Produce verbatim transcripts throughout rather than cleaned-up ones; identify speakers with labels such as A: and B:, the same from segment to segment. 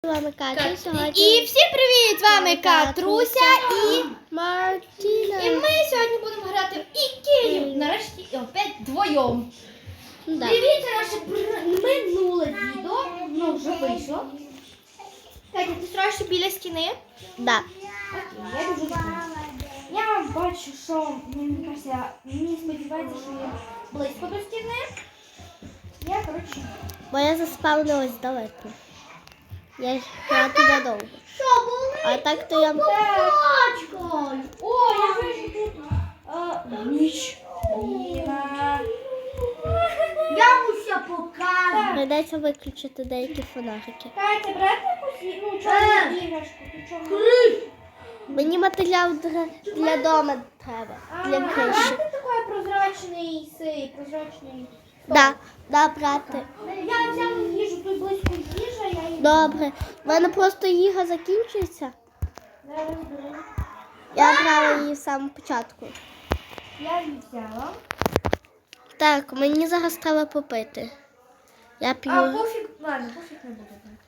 A: З вами Катя
B: Кат...
A: сьогодні.
B: І всім привіт! З вами Катруся і
A: Мартіна.
B: І ми сьогодні будемо грати в Ікею. Нарешті і опять вдвоєм.
A: Да.
B: Дивіться наше минуле відео. Ну, вже вийшло. Катя, ти страшишся біля стіни?
A: Да.
B: Окей, я дуже люблю. Я бачу, що мені кажеться, мені сподівається, що я близько до стіни. Я, коротше...
A: Бо я заспавнилась далеко. Я йшла туди довго.
B: Що, були?
A: А так то я...
B: Бачкою. О, я вижу тут а, ніч. Ніна. Я муся покажу.
A: Прийдеться виключити деякі фонарики.
B: Катя, брати якусь, ну, чорну іграшку. Ти чорну?
A: Мені матеріал для, для дому треба. Для
B: А,
A: криші.
B: брати такий прозрачний сей, прозрачний.
A: Да, да, брати.
B: Я взяла їжу, тут близько їжа, я її...
A: Добре. У мене просто їга закінчується.
B: Зараз беру.
A: Я брала її з самого початку.
B: Я її взяла.
A: Так, мені зараз треба попити. Я п'ю.
B: А, пофіг, ладно, пофіг не буду брати.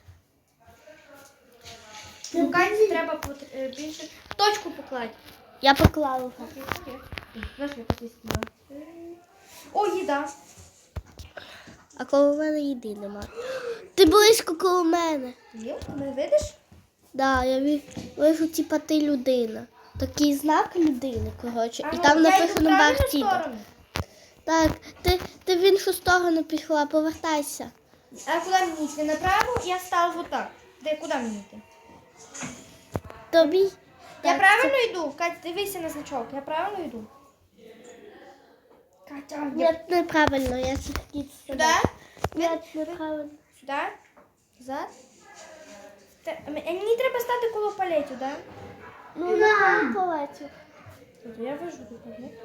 B: Ну, Каті треба пот- е, більше... Точку покладь.
A: Я поклала вже.
B: Знаєш, я тут скинула. О, їда.
A: А коло мене їди нема. Ти близько коло мене.
B: Є? Не видиш?
A: Да, я ві- вижу, типа ти людина. Такий знак людини, коротше. І
B: Ага,
A: там
B: я йду
A: написано
B: в правильну
A: Мартіна.
B: сторону.
A: Так, ти, ти в іншу сторону пішла, повертайся.
B: А куди мені йти? Направо? Я стала вот так. Де, куди мені йти?
A: Тобі.
B: Я
A: Так,
B: правильно йду? Катя, дивися на значок. Я правильно йду? Катя, я...
A: Ні, неправильно, я сидить
B: Сюди?
A: Ні, неправильно.
B: Сюди? Назад? Те- а Мені треба стати коло палетів, да?
A: Ну, на полетів.
B: Тут я вижу тут, ні?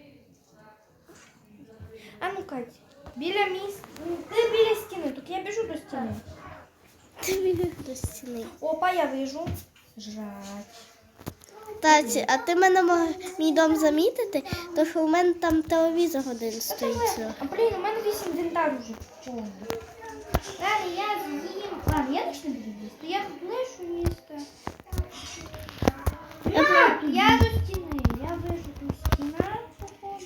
B: А ну, Катя, біля міс... Ти біля стіни, тут я біжу до стіни.
A: Ти біг до стіни.
B: Опа, я вижу. Жать.
A: Таці, а ти мене можеш мій дом замітити, тому що у мене там телевізор один стоїть.
B: А блін, у мене весь інвентар вже повний. Далі я з'їм. Ладно, я точно буду їсти. Я тут лишу їсти.
A: Я
B: Так, я до стіни. Я вижу тут стіна, походу.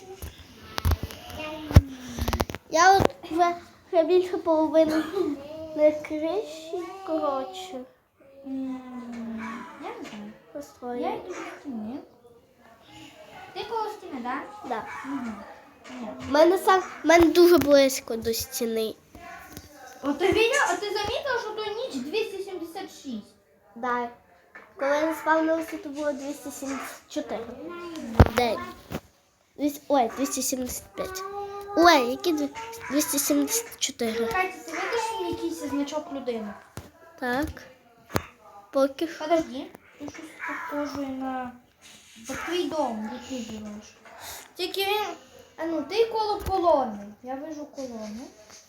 A: Я от вже, вже більше половини не криші, коротше,
B: М, Я не знаю. Я
A: построю.
B: йду до стіни. Ти коло стіни, так?
A: Да.
B: Угу. Ні.
A: У мене сам, в мене дуже близько до стіни.
B: От ти видела, а ти замітила, що то ніч двісті сімдесят шість?
A: Да. Коли я не спавнилася, то було двісті сімдесят чотири. День. Двісті- Ой, двісті сімдесят п'ять. Ой, які дві- двісті сімдесят чотири.
B: Катя, ти видиш якийсь значок людини?
A: Так. Поки що.
B: Подожди. Тут щось похоже на на твій дом, де ти живеш. Тільки він... А ну, ти коло колони. Я вижу колону.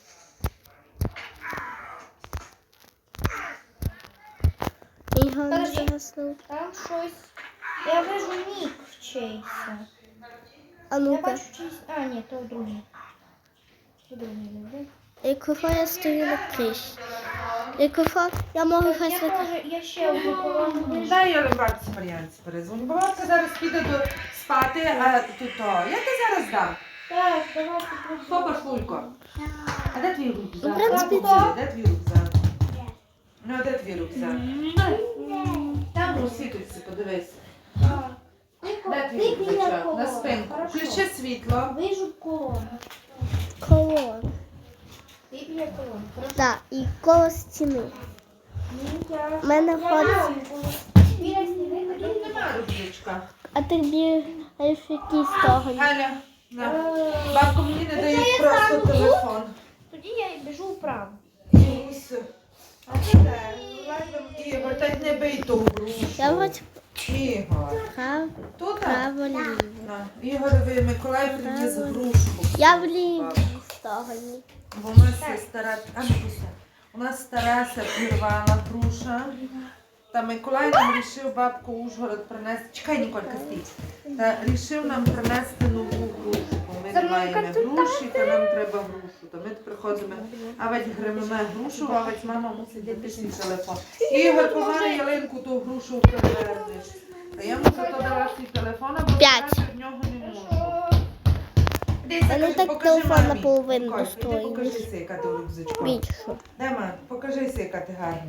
A: Його не
B: Подожди.
A: загаснув.
B: Там щось... Я вижу нік чийся.
A: А
B: Я
A: ну-ка.
B: бачу чийсь... А, ні, то другий. То другий люди.
A: Якщо я стою на криші. Якщо я можу щось
B: Я,
A: виконати.
B: може, я ще одну колону вижу.
C: Дай я бабці Мар'янці перезвоню. Бо бабка зараз піде до спати, а тут то. Я ти зараз дам.
B: Так, давай попробуй.
C: Хто Пашлулько? А де твій рюкзак?
A: Ну, в принципі,
C: Бабуся, де твій рюкзак? Ну, а де твій рюкзак?
B: Там
C: Ну, світиться, подивись.
B: Так.
C: Де
B: Ти
C: твій
B: біля
C: рюкзачок? На
B: колони.
C: спинку.
B: Хорошо.
C: Включи світло.
B: Вижу колону.
A: Колон.
B: Ти біля колони. Хорошо.
A: Так, і коло стіни.
B: Ні, я-
A: У мене
B: я
A: входить-
B: знаю коло. Біля стіни
C: Тут
B: тоді.
C: нема рюкзачка.
A: А ти бігаєш в якій стороні?
C: Галя, на.
B: Е,
C: Бабку мені не
B: Це
C: дають
B: я
C: просто
B: стану тут?
C: телефон.
B: Тоді я біжу вправо.
C: Ось. А це де? Ігор, так не бий ту грушу.
A: Я от
C: Ігор.
A: прав,
C: Тут?
A: право, ліво.
C: На. Ігорові Миколай приніс грушку.
A: Я в лівій стороні.
C: Бо у нас є стара, а не пуся. У нас стара сапірвала груша. Та Миколай нам рішив бабку Ужгород принести. Чекай, Ніколька, стій. Та рішив нам принести нову грушку. Ми надіваємо груші, то нам треба грушу. То ми приходимо, а ведь гримимо грушу, а ведь мама мусить дати свій телефон. Ігор, погано ялинку ту грушу перевернеш. Та я мушу то дала свій телефон, а
A: П'ять.
C: в нього не можу.
A: Мене так телефон наполовину
C: достоїть.
A: достоїть.
C: Покажися, яка ти рюкзачка.
A: Більше.
C: Де, мам, покажися, яка ти гарна.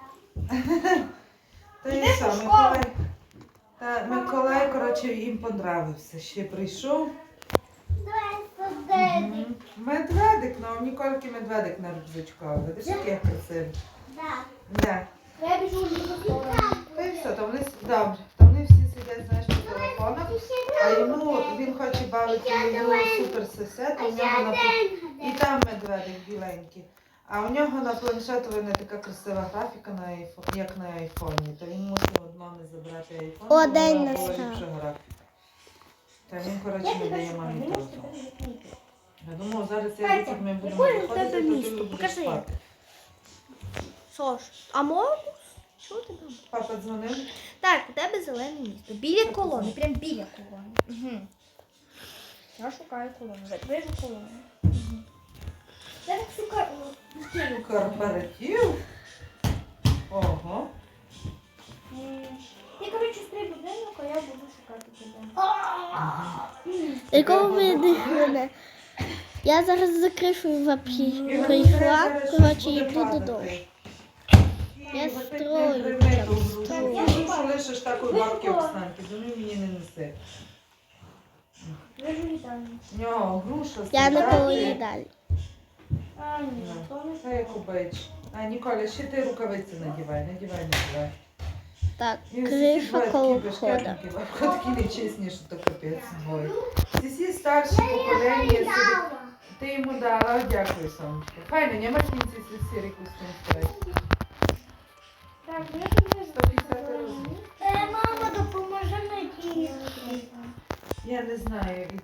C: Та і
B: Йдеш
C: що,
B: у школу?
C: Миколай? Та Миколай, коротше, їм понравився. Ще прийшов. Мгм. Медведик, ну, у Нікольки медведик на рюкзачку. Видиш, який красивий. Да.
B: Я біжу в другу сторону.
C: Та і все, то вони, с- добре, то вони всі сидять, знаєш, по телефонах, а йому, він хоче бавити його суперсосед, у нього на пл- і там медведик біленький. А у нього на планшету не така красива графіка, на айфон, як на айфоні. То він мусив від мами забрати айфон,
A: О,
C: бо
A: день
C: вона була
A: настав.
C: ліпша графіка. Та він, коротше,
B: Я
C: не
B: тебе
C: дає
B: шукаю,
C: мамі
B: не можу
C: телефон.
B: тебе відмітити.
C: Я думав, зараз я
B: Катя,
C: тут ми будемо
B: якое в
C: виходити,
B: тебе
C: то ти
B: місто?
C: будеш
B: Покажи.
C: спати.
B: Сош, а моркус? Що ти там?
C: Папа дзвонив?
B: Так, у тебе зелене місто. Біля колони, прям біля колони. Угу. Я шукаю колону. Вижу колону. Угу. Я так шукаю.
C: Корпоратив? Ого.
B: Ти, коротше, стрій будинок, а я буду шукати тебе.
A: Якого ви мене? Я зараз за кришою вообще
C: Ігор,
A: прийшла,
C: зараз щось
A: коротше,
C: буде
A: йду
C: падати.
A: додому. Я
C: Ігор, ти
A: строю,
C: не грими
A: прям
C: ту грушу.
A: строю.
C: Я грушу лишиш такої бабки Оксанки, до неї мені не неси.
B: Вижу вітання.
C: В нього груша,
A: Я не
C: солдати.
A: поїдаю.
B: А, ні, то не
C: Та як убич. А, Ніколя, ще ти рукавиці надівай, надівай, надівай.
A: Так,
C: І всі
A: криша
C: два
A: коло
C: такі
A: входа.
C: бешкетники, бабко такі нечесні, що то капець. Ой. Всі всі старші покоління собі. Ти йому дала, дякую, сонечко. Файно, нема в кінці сірі кустин.
B: Так, ну я тобі
C: сто п'ятдесят разів.
B: Мама, допоможи мені.
C: Я не знаю, як іти.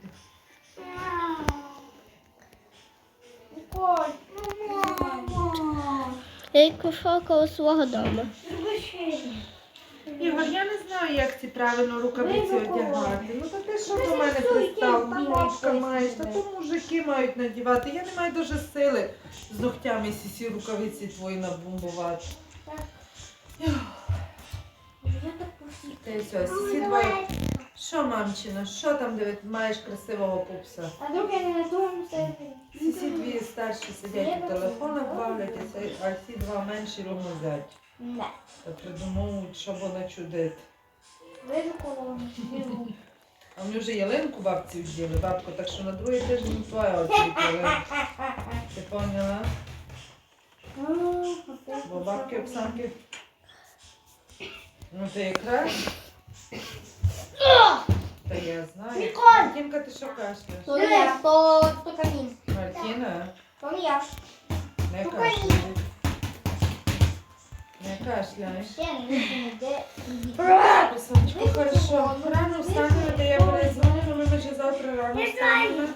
B: Коль, ну мама.
A: Я пішла коло свого дому.
C: Ігор, я не знаю, як ці правильно рукавиці
B: Ви за
C: одягати. Ну то ти що до мене пристав? Мамочка маєш, та то мужики мають надівати. Я не маю дуже сили з ногтями сі рукавиці твої набумбувати.
B: Я так посіпаю.
C: Та й все, сісі двоє. Що, мамчина, що там, де маєш красивого пупса?
B: А вдруг я не на тому сервері?
C: Сісі дві старші сидять у телефонах бавляться, а ці два менші ромозять.
B: Не.
C: Та придумовують, що вона чудить.
B: Вижу колону. Вижу.
C: А вони вже ялинку бабці вділи, бабко, так що на другий тиждень твоя очікує ялинка. Ти поняла? Бо бабки Оксанки. Ну ти якраз. Та я знаю.
B: Ніколь!
C: Мартінка, ти що кашляєш?
B: То не я, то, то камін.
C: Мартіна,
B: То не я.
C: не
B: Ну,
C: кашляй. Не кашляй.
B: Ще не йде.
C: Сонечко, хорошо. Рано встанемо, я перезвоню, ми вже завтра рано встанемо.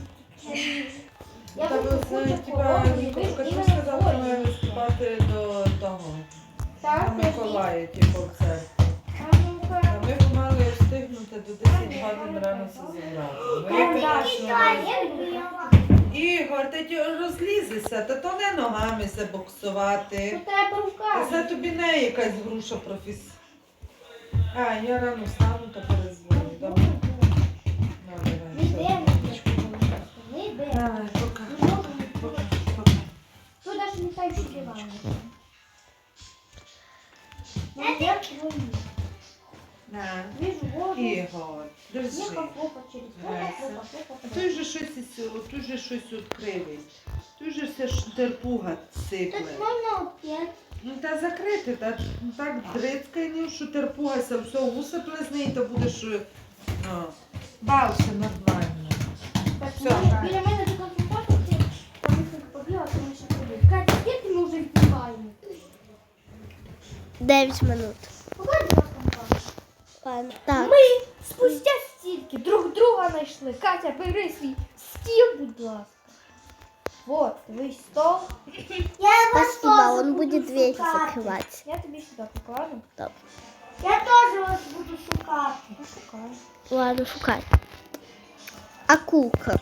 B: Я
C: Та ви
B: хочу
C: знаєте,
B: кучу
C: типа,
B: колони.
C: Ніколка,
B: Ви
C: ти
B: іменно
C: сказала,
B: колони.
C: має виступати до того.
B: Так,
C: До Миколая, типу, в церкві.
B: А ну-ка.
C: А ми б мали встигнути до десять годин рано все зібрати. Ну, я, звісно, Ігор, ти ті розлізися, та то не ногами се боксувати.
B: Тут треба руками.
C: Це тобі не якась груша професі. А, я рано встану та перезвоню. Добре? Ну,
B: Не
C: давай.
B: йде,
C: все.
B: не йде.
C: Давай, пока.
B: Не можу, не
C: Пока,
B: можу.
C: пока.
B: Тут навіть не так, що диван. Ну, я твої.
C: На.
B: Вижу воду.
C: Ігор, держи.
B: Ехал хлопать через
C: Леся.
B: хлопать, хлопать,
C: А
B: хлопать.
C: той же щось із цього, той же щось відкривий. Той же все ж терпуга сипле.
B: Так можна опять.
C: Ну та закрити, та ну, так дрицькай, ну, що терпугася, все усипле з неї, то будеш ну, бався нормально.
B: Так,
C: Все,
B: ну,
C: так.
B: біля мене до консультату, ти там несколько побігла, тому що ходить. Катя, скільки ми вже відбуваємо?
A: Дев'ять минут.
B: Покажи, будь ласка, Михайло.
A: Ладно. Так.
B: Ми спустя стільки друг друга знайшли. Катя, бери свій стіл, будь ласка. Вот, твій стол.
A: Спасибо, он будет дверь закрывать.
B: Я тобі сюди покладу.
A: Добре.
B: Я теж вас буду шукати. Ну, шукаю.
A: Ладно, шукай. Акулка.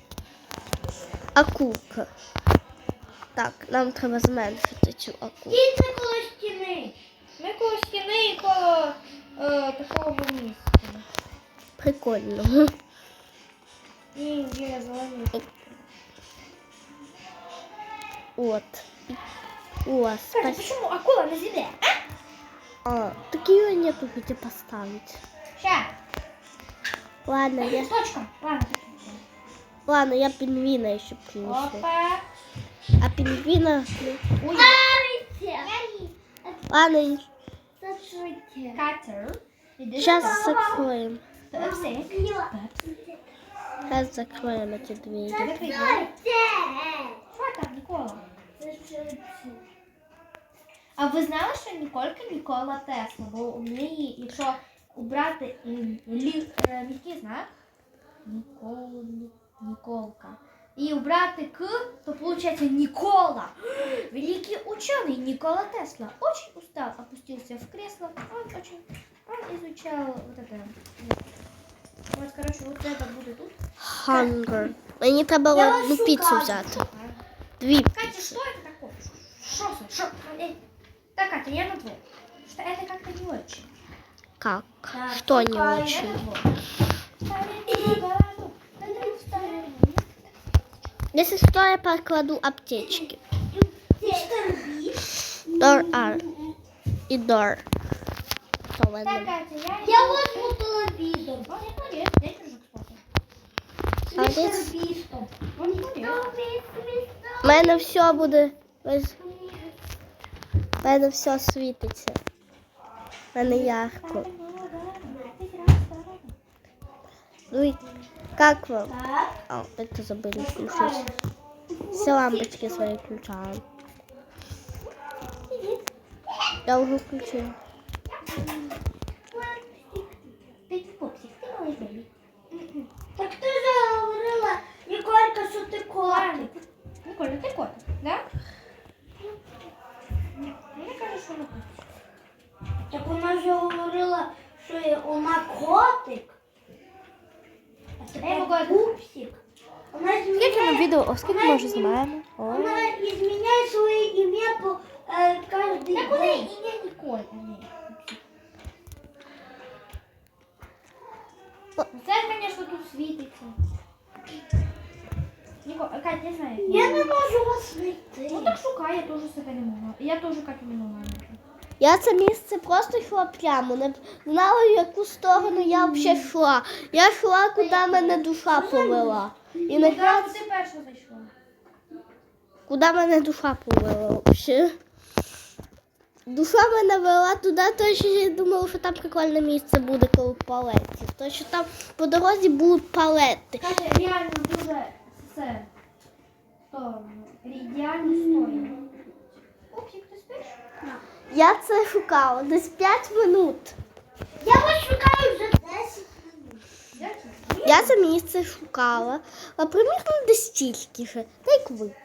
A: Акулка. Так, нам треба зменшити цю акулку.
B: Діти коло стіни. Ми коло стіни і коло е, такого місця.
A: Прикольно.
B: І є зелені.
A: От. О,
B: Катя,
A: спасибо.
B: почему акула на земле?
A: А, так ее нету где поставить.
B: Ща.
A: Ладно, я,
B: Точка. Ладно.
A: ладно, я пингвина еще принесу.
B: Опа.
A: А пингвина...
B: Ой.
A: Ладно,
B: Катер. Іди
A: сейчас
B: сюди.
A: закроем.
B: Пепси.
A: Сейчас закроем эти двери.
B: Закрий двері. Що там, Нікола? А ви знали, що Ніколька Нікола Тесла? Бо у неї, якщо убрати м, лі, е, м'який знак, Нікол, Ніколка, і убрати К, то получается Никола. Великий ученый Никола Тесла очень устал, опустился в кресло. Он очень, он изучал вот это. Вот, короче, вот это будет тут.
A: Hunger. Мені треба
B: Я
A: одну
B: вас
A: піцу
B: шукаю.
A: взяти. Дві
B: Катя,
A: піци.
B: что это такое? Что это? Что? Э, Так, Катя, я на двое. Что это как-то не очень.
A: Как?
B: Так,
A: Что не
B: шукаю, я
A: очень?
B: на двое. Ставим гораду, ставим, ставим.
A: Если что, я покладу аптечки.
B: Мистер Бист.
A: Дор Ар. И Дор. Что в
B: Так,
A: этом?
B: Катя, я... Я возьму телевизор. Он не полез, дай же, кстати. С
A: А
B: мистер
A: здесь-
B: Бистом. Он не полез.
A: У мене все буде. ось- У мене все світиться. У мене ярко. Ну и как вам?
B: Так.
A: А, это забыли включить. Все лампочки свои включаем. Я уже включила.
B: Ты не попсик, ты малый бэби. Так ты же говорила, Николька, что ты котик. Николя, ты котик, да? Мне кажется, что она котик. Так вона же говорила, що вона котик. А тепер пупсик. Вона
A: Скільки ми відео, скільки ми вже знімаємо? О.
B: Вона зміняє своє ім'я по е, кожен день. Так у неї ім'я Ніколь. Це, звісно, тут світиться. Ніко, Кать, не знаю.
D: Я не можу вас знайти.
B: Ну так шукай, я теж себе не могла. Я теж Катю не могла знайти.
A: Я це місце просто йшла прямо, не знала, в яку сторону я взагалі йшла. Я йшла, куди мене душа повела. І
B: Ну,
A: на
B: так, ти перша зайшла.
A: куди мене душа повела взагалі. Душа мене вела туди, то що я думала, що там прикольне місце буде коло палетів. То що там по дорозі будуть палети.
B: Катя, реально дуже все. То, ідеально стоїть. Пупсик, ти спиш?
A: Я це шукала десь п'ять минут.
D: Я вас шукаю вже десять минут.
A: Я це місце шукала, а примірно десь стільки же, так як ви.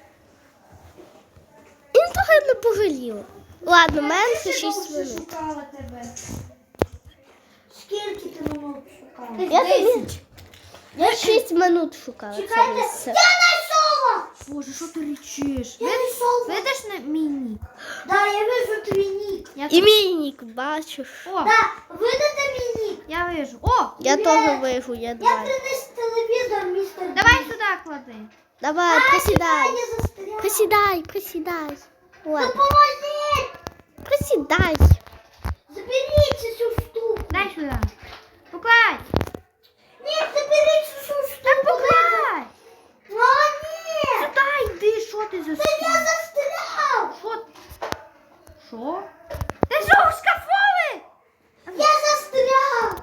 A: І трохи не пожаліла. Ладно, менше шість
B: Я
A: минут.
B: шукала тебе.
D: Скільки ти минут шукала?
B: Десь
A: Я тобі-
B: десять.
A: Я шість минут шукала це
D: Чекайте,
A: місце.
D: я знайшла!
B: Боже, що ти речиш?
D: Я знайшла.
B: Видиш на мій нік?
D: Да, я вижу твій нік.
B: Я
A: І мій нік, бачиш.
B: О,
D: Да, видите мій нік?
B: я вижу. О,
A: Я
D: Привіт.
A: теж вижу, я
D: Я
A: два.
D: приніс телевізор, містер.
B: давай сюди клади.
A: Давай, присідай.
D: Я застряла.
A: Присідай, присідай. Ладно,
D: Допоможіть!
A: присідай.
D: Заберіть цю штуку.
B: Дай сюди. Покладь.
D: Ні, заберіть цю штуку.
B: Так покладь.
D: О, ні!
B: Сюди йди, що ти за
D: Та я застряв!
B: Що? Що? Ти що, в шкафові?
D: Я застряв!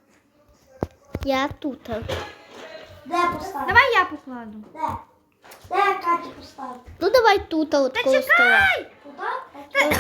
A: Я тут.
D: Де поставити?
B: Давай я покладу.
D: Де? Де Катя поставити?
A: Ну давай тут, от
B: Та
A: коло стола.
B: чекай!
D: Туди?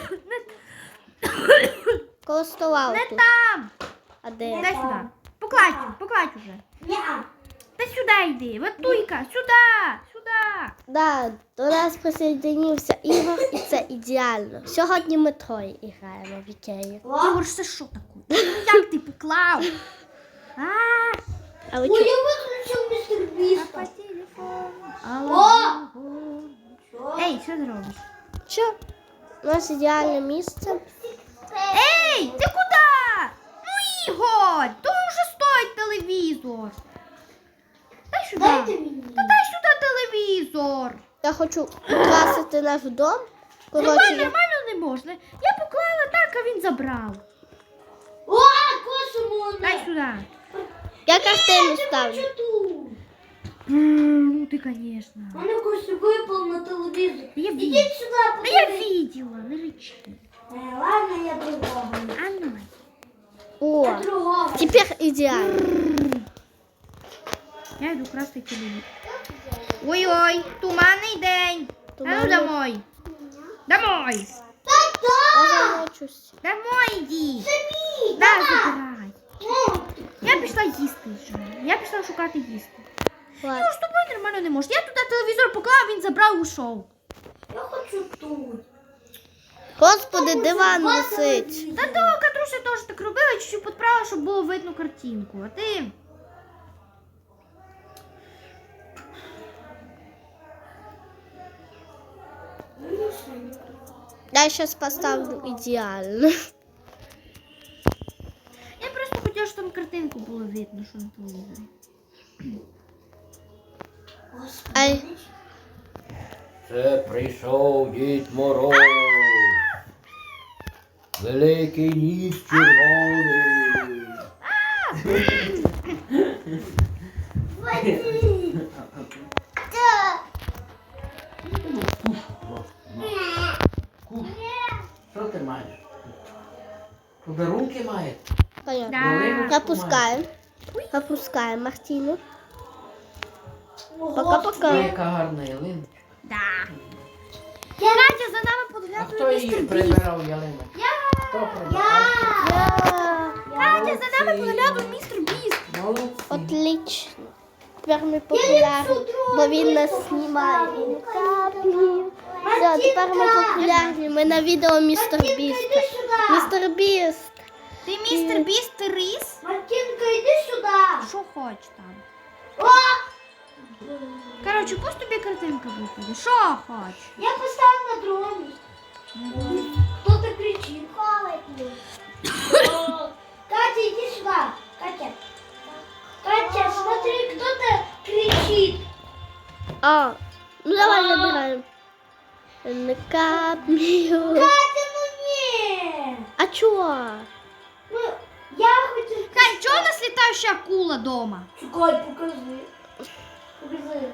A: Коло стола
B: Не
A: отут.
B: там.
A: А де?
B: Дай сюди. Покладь, покладь уже.
D: Ні.
B: Та сюди йди. Вот туйка, сюди, сюди.
A: Да, до нас присоединився Ігор, і це ідеально. Сьогодні ми троє граємо в Ікеї.
B: Ігор, це що таке? Ну як ти поклав? А,
A: А ви
D: Ой,
A: чу-
D: я виключила включил мистер Биста.
B: Алло! Ей, що ти робиш?
A: Що? У нас ідеальне місце.
B: Ей, ти куди? Ну, Ігор, то вже стоїть телевізор. Дай сюди.
D: Дайте мне.
B: Та дай сюди телевізор.
A: Я хочу украсити наш дом.
B: Нормально,
A: Коротше, я-
B: нормально не можна. Я поклала так, а він забрав.
D: О, космос.
B: Дай сюди.
A: я картину ставлю.
D: Что тут?
B: М, Ну ти, звісно.
D: Она косу выпал на телевизор.
B: Я
D: Иди
B: видела.
D: сюда,
B: Ну я
D: подожди.
B: видела, не речи.
D: Э, ладно, я другого.
B: А ну.
A: О,
D: Я другого.
A: тепер ідеально.
B: Я йду красти телевізор. Ой-ой, туманний день. А ну
A: Туманний.
B: домой. Домой.
A: Я замочусь.
B: Домой іди.
D: Сами.
B: Да, забирай.
D: Ну,
B: Я пішла їсти вже. Я пішла шукати їсти.
A: Ладно.
B: Ну, з тобою нормально не може. Я туди телевізор поклав, він забрав і ушов.
D: я хочу тут.
A: Господи, диван висить.
B: Та то Катруся теж так робила, чуть-чуть підправила, щоб було видно картинку. А ти...
A: Я зараз поставлю ідеально.
B: Я просто хотіла, щоб там картинку було видно, що на телевізорі.
A: Ай,
E: Це прийшов Дід Мороз. Великий ніс червоний. Що ти маєш? Подарунки маєш?
A: понятно.
B: Да.
A: Запускаємо. Запускаємо Мартину.
E: Ой,
A: Пока-пока.
E: яка гарна ялинка.
B: Да. Катя, за нами
E: А
B: подглядує
E: хто її
B: містер Біст.
E: прибирав ялинок? Хто прибирав?
B: Катя, за нами подглядує містер Біст.
E: Молодці.
A: Отлично. Тепер ми популярні, бо він нас знімає. Він каплі. Все, тепер ми популярні. Ми на відео містер Біста. Містер Біст.
B: Ти містер Біст, ти ріс?
D: Мартинка, иди сюда.
B: Що хоч там?
D: О,
B: Коротше, пусть тобі картинка випаде. Що хоч?
D: я поставил на другое место. Кто-то кричит. О, Катя, иди сюда. Катя. Катя, смотри, кто-то кричит.
A: А, ну давай забираємо. Не каплю.
D: Катя, ну не.
A: А чого?
D: Ну, я хотел...
B: Кать, чого у нас літаюча акула дома?
D: Чекай, покажи. Покажи.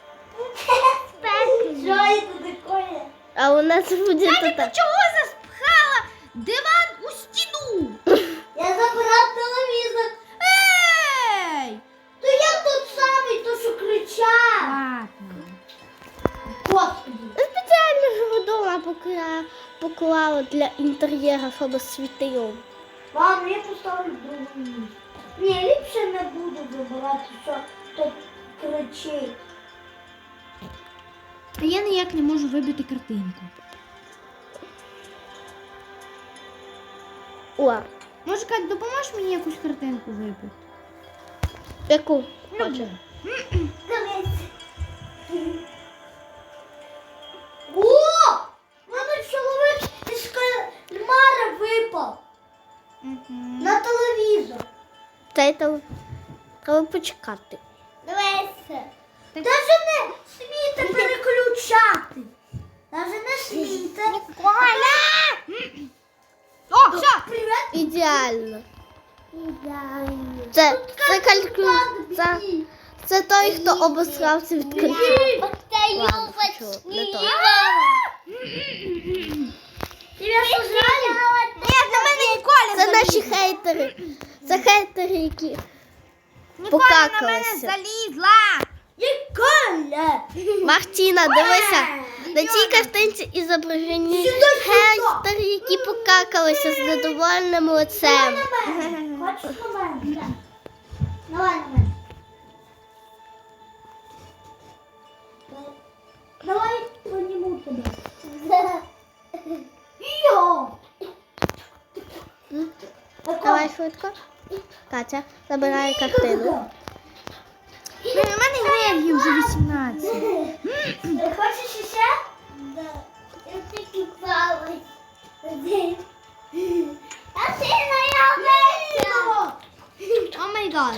D: Что это такое?
A: А у нас буде
B: Катя,
A: тут.
B: ти чого заспхала диван у стіну?
D: Я забрал телевизор.
B: Ей!
D: То я тот самый, то, что кричал.
B: Ладно.
D: Господи.
A: Спеціально ж вдома покла... поклала для інтер'єру, щоб світило.
D: Ладно, я поставлю в другое место. Не, ліпше не буду вибирати, що тут кричить.
B: А я ніяк не можу вибити картинку.
A: О,
B: Може, Кать, допоможеш мені якусь картинку вибити?
A: яку?
B: Любу.
D: Дивись. О! У мене чоловік із кальмара випав
B: Мгм.
D: на телевізор.
A: Це то треба почекати.
D: Дивися.
B: Так-
D: Даже не смійте переключати. Даже не смійте.
B: О, все!
D: Привіт.
A: Ідеально.
D: Ідеально.
A: Це, це калькуль... Це, це той, хто обосрався від калькулю. Ладно, що, не то.
D: Тебе сожрали?
B: Ні, на мене Ніколя
A: Це наші
B: залізла.
A: хейтери. Це хейтери, які
B: Ніколя на мене
A: покакалися.
B: залізла.
D: Ніколя.
A: Мартіна, дивися. На цій картинці ізображені хейтери, які покакалися з недовольним лицем.
D: Хочеш на мене? Давай на мене. Давай подниму тебе. Йо!
A: Давай швидко. Катя, забирай картину.
B: У мене енергії вже вісімнадцять.
D: Хочеш ще?
A: Да. Я тільки плаваю. А ти моя мама.
B: О май гад.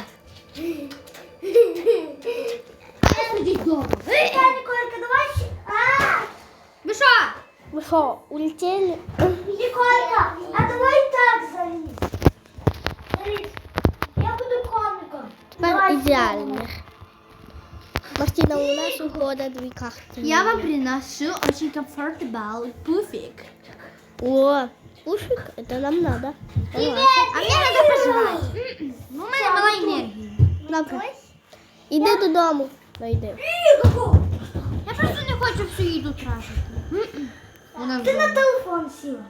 D: Я, Ніколька, давай ще. А,
B: Ви що?
A: Ви що, улетіли?
D: Ніколька, а давай так залізь. Залізь. Я буду коміком.
A: Тепер ідеально. Мартина, у нас ухода дві карти.
B: Я вам приношу очень комфортабл пуфик.
A: О, пушик, это нам надо. Давай.
B: А мне надо пожрать. Ну, у мене мала енергія.
A: Добре. Іди додому. Ну, йди.
B: Я просто не хочу всю їду тратити. Вона
D: Ти на телефон сіла.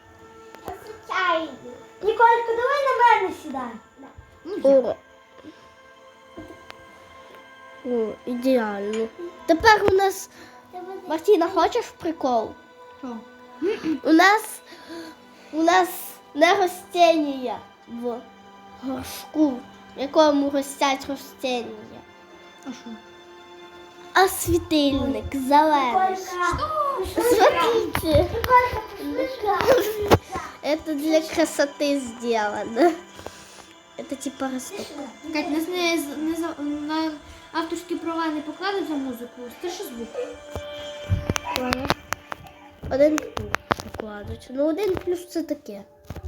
D: Ніколька, давай на мене сідай.
A: О. О, ідеально. Тепер у нас... Мартіна, хочеш прикол?
B: Що?
A: У нас... У нас не ростення в горшку, в якому ростять ростення,
B: А що?
A: а світильник зелений. Смотрите. Это для красоты сделано. Это типа росток.
B: Кать, нас не, не за- на авторські права не покладуть за музику. Це що звук?
A: Один плюс покладуть. Ну, один плюс це таке.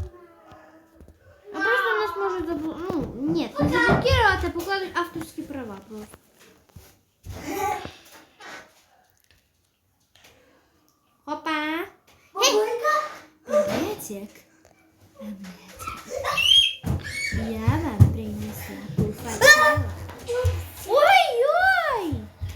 B: А просто нас можуть забу... Ну, ні, не заблокувати, а покладуть авторські права просто. Опа! Приветик. Я вам принесла пуфачела. Ой-ой!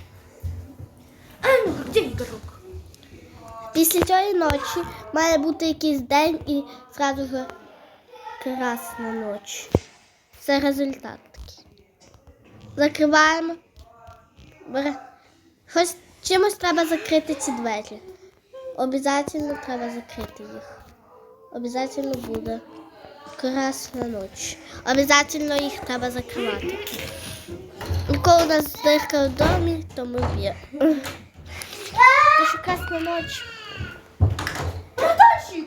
B: А ну, где игрок?
A: Після цієї ночі має бути якийсь день і зразу ж красна ніч. Це результат такий. Закриваємо. Бере- Щось, чимось треба закрити ці двері. Обязательно треба закрити їх. Обязательно буде красна ніч. Обязательно їх треба закривати. І коли у нас дирка в домі, то ми б'ємо. Тому що красна ніч.
B: Братанчик!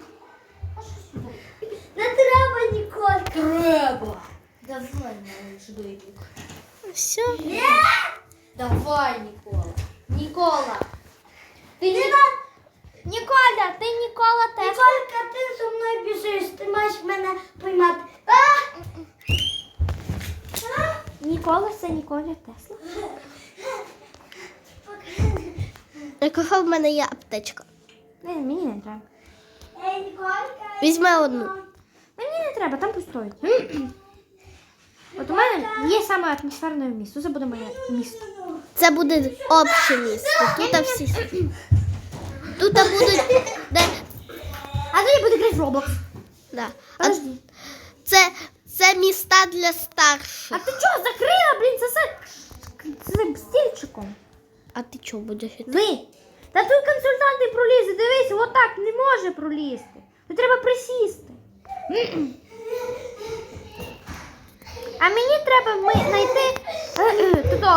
D: Не треба, Ніколька.
B: Треба! Давай, малыш, дойдик.
A: Все.
B: Давай, Нікола. Нікола. Ти не... Ніколя, ти Нікола теж.
D: Ніколька, ти зі мною біжиш, ти маєш мене поймати. А!
B: Нікола це Ніколя Тесла.
A: Якого в мене є аптечка.
B: Не, мені не треба.
D: Ей, Ніколька.
A: Візьми одну.
B: Мені не треба, там пустоїть. От у мене є саме атмосферне місто. Це буде моє місто.
A: Це буде обще місце. Тут всі. Тут будуть. Де...
B: А тоді буде грати в Roblox.
A: Да. А
B: Подожди.
A: це, це міста для
B: А
A: старших.
B: ти чого закрила, блін, це за, це за стільчиком?
A: А ти чого будеш іти?
B: Ви. Та тут консультант не пролізе. Дивись, отак не може пролізти. Тут треба присісти. А мені треба ми знайти туди.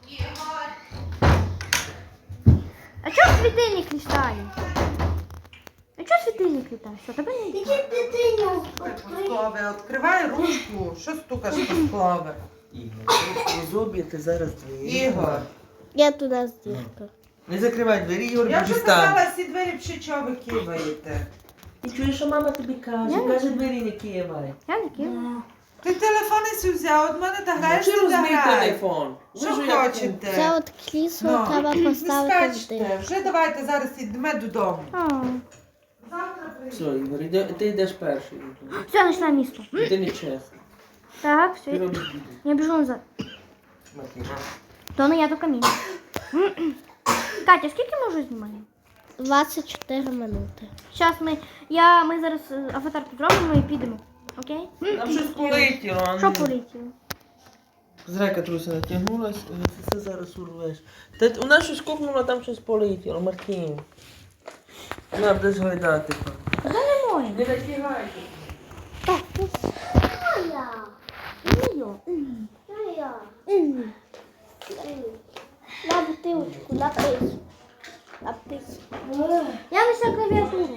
B: А чого світильник літає? А чого світильник літає? Що, тебе не
D: Іди дитиню.
C: Склове, відкривай ручку. Що стукаш по склове?
F: Ігор, у зубі ти зараз двері.
C: Ігор.
A: Я туди з діркою.
F: Не закривай двері, Ігор,
C: Я
F: буде
C: вже
F: стан.
C: казала, всі двері пши, чого ви киваєте.
F: Ти чуєш, що мама тобі каже? Каже, двері не кивай.
B: Я не кину.
C: Ти телефон і взяв, от мене та граєш,
F: Чи
C: ти
F: розбий
C: грай.
F: телефон?
C: Що
F: Ви ж як-
C: хочете?
A: Це от крісло
C: Ну,
A: треба
C: не
A: поставити в
C: скачте.
A: дирку.
C: Вже давайте зараз йдемо додому.
B: А.
F: Все, Ігор, іде- ти йдеш перший.
B: Все, знайшла місто.
F: Ти не чесно.
B: Так,
F: Ти
B: все.
F: робиш біду.
B: Я біжу назад.
F: Матіна.
B: То не я, то камінь. Катя, скільки ми вже знімаємо?
A: двадцять чотири минути.
B: Зараз ми, я, ми зараз е, аватарку зробимо і підемо. Окей?
F: Там щось полетіло, а
B: Що
F: ну.
B: полетіло?
F: Зрека труся натягнулась, і ти це зараз урвеш. Та у нас щось купнуло, там щось полетіло, Мартін. На, будеш гойдати.
B: Та не моє.
F: Не натягайте.
B: Так, ну,
D: Моя.
B: не йо.
D: Моя.
A: На бутилочку, напись. Напись.
B: Я лише клавіатуру.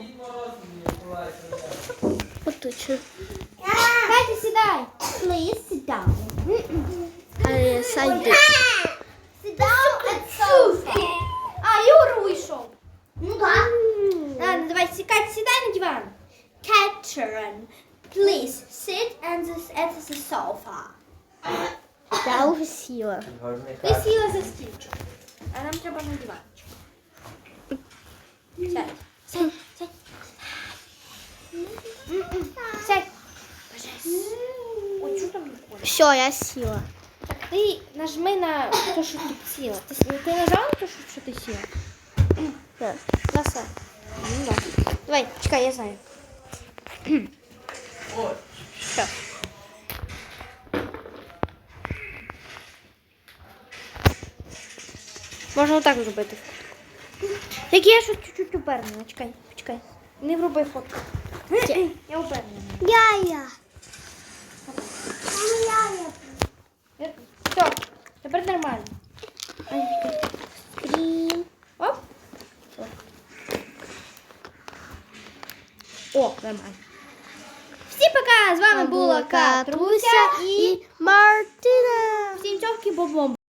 A: Поточу.
B: Катя, сідай. Please sit down.
A: А я сайду.
B: Sit down at sofa. А, Юра вийшов.
D: Ну так.
B: Ладно, давай, Катя, сідай на диван. Catherine, please sit and the, at the sofa.
A: Я вже сіла.
B: Ти сіла за стільчик, а нам треба на диванчик. Сядь, сядь, сядь. М-м, Сядь. Ой, що там не
A: Все, я сіла.
B: Так, ти нажми на те, що ти сіла. Ти, с- ти нажала на те, що, що ти сіла?
A: Так.
B: На все. Ну, да. Давай, чекай, я знаю. Що? Можна отак зробити. Так я щось чуть-чуть упернена. Чекай, чекай. Не вруби фотку. Я упернена.
A: Я-я.
B: Все, тепер нормально.
A: Скрін.
B: Оп. О, нормально. Всім пока! З вами була Катруся і
A: Мартина.
B: всім цьовки бобом.